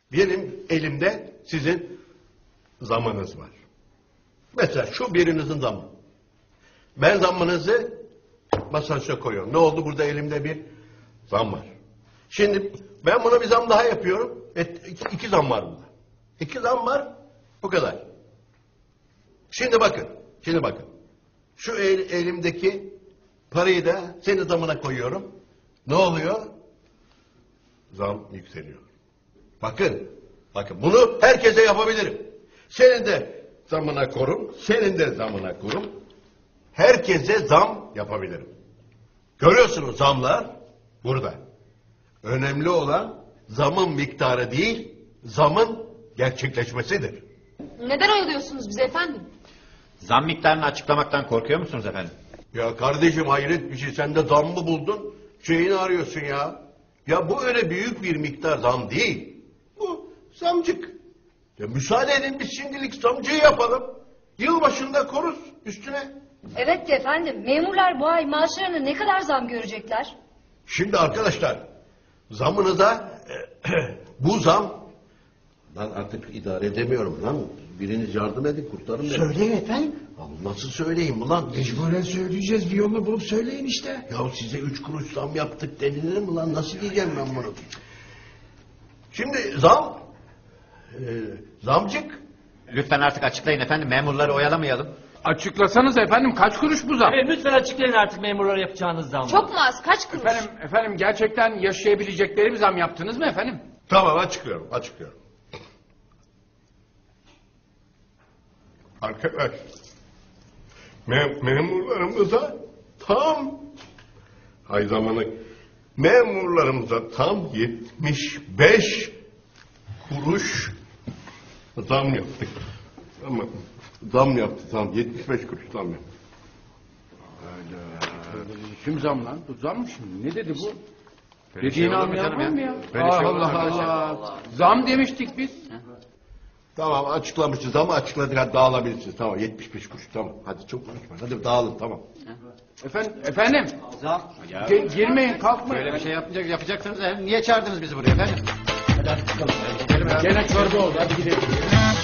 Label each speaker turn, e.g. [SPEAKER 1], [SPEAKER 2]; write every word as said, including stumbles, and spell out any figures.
[SPEAKER 1] Benim elimde sizin zamınız var. Mesela şu birinizin zamı. Ben zamınızı masajda koyuyorum. Ne oldu? Burada elimde bir zam var. Şimdi ben buna bir zam daha yapıyorum. Et, iki, iki zam var burada. İki zam var. Bu kadar. Şimdi bakın. Şimdi bakın. Şu el, elimdeki parayı da senin zamına koyuyorum. Ne oluyor? Zam yükseliyor. Bakın. Bakın. Bunu herkese yapabilirim. Senin de zamına korum. Senin de zamına korum. Herkese zam yapabilirim. Görüyorsunuz zamlar burada. Önemli olan zamın miktarı değil, zamın gerçekleşmesidir.
[SPEAKER 2] Neden oyalıyorsunuz bizi efendim?
[SPEAKER 3] Zam miktarını açıklamaktan korkuyor musunuz efendim?
[SPEAKER 1] Ya kardeşim hayret bir şey. Sen de zam mı buldun? Şeyini arıyorsun ya. Ya bu öyle büyük bir miktar zam değil. Bu zamcık. Ya müsaade edin biz şimdilik zamcıyı yapalım. Yılbaşında koruz üstüne.
[SPEAKER 4] Evet efendim. Memurlar bu ay maaşlarına ne kadar zam görecekler?
[SPEAKER 1] Şimdi arkadaşlar zamınıza bu zam lan artık idare edemiyorum lan. Biriniz yardım edin kurtarın beni.
[SPEAKER 5] Söyleyin efendim.
[SPEAKER 1] Ya nasıl söyleyeyim ulan?
[SPEAKER 5] Mecburen söyleyeceğiz. Bir yolunu bulup söyleyin işte.
[SPEAKER 1] Ya size üç kuruş zam yaptık denilir mi lan? Nasıl diyeceğim ben bunu? Şimdi zam e, zamcık.
[SPEAKER 3] Lütfen artık açıklayın efendim, memurları oyalamayalım.
[SPEAKER 6] Açıklasanız efendim, kaç kuruş bu zam?
[SPEAKER 7] Evet, lütfen açıklayın artık memurlara yapacağınız zam.
[SPEAKER 2] Çok mu az? Kaç kuruş?
[SPEAKER 6] Efendim, efendim gerçekten yaşayabilecekleri bir zam yaptınız mı efendim?
[SPEAKER 1] Tamam açıklıyorum açıklıyorum. Arkadaş mem memurlarımıza tam hay zamanı memurlarımıza tam yetmiş beş kuruş zam yaptık. Ama zam yaptı tam yetmiş beş kuruş zam yaptı.
[SPEAKER 6] Kim zam lan? Bu zam mı şimdi? Ne dedi bu?
[SPEAKER 3] Böyle şey
[SPEAKER 6] Dediğini
[SPEAKER 3] olur mu
[SPEAKER 6] anlayan
[SPEAKER 3] canım
[SPEAKER 6] var
[SPEAKER 3] ya?
[SPEAKER 6] mı ya?
[SPEAKER 3] Böyle şey olur mu
[SPEAKER 6] Allah
[SPEAKER 3] arkadaşlar?
[SPEAKER 6] Allah. Zam demiştik biz.
[SPEAKER 1] Tamam açıklamışız ama açıkladık hadi dağılabilirsiniz. Tamam yetmiş beş kuruş tamam. Hadi çok konuşma. Hadi dağılın tamam.
[SPEAKER 6] Efendim, efendim.
[SPEAKER 3] Zam. Ya,
[SPEAKER 6] Ge- girmeyin, kalkmayın.
[SPEAKER 3] böyle bir şey yapacak, yapacaksınız. Niye çağırdınız bizi buraya efendim?
[SPEAKER 6] Gene çorba oldu. Hadi gidelim.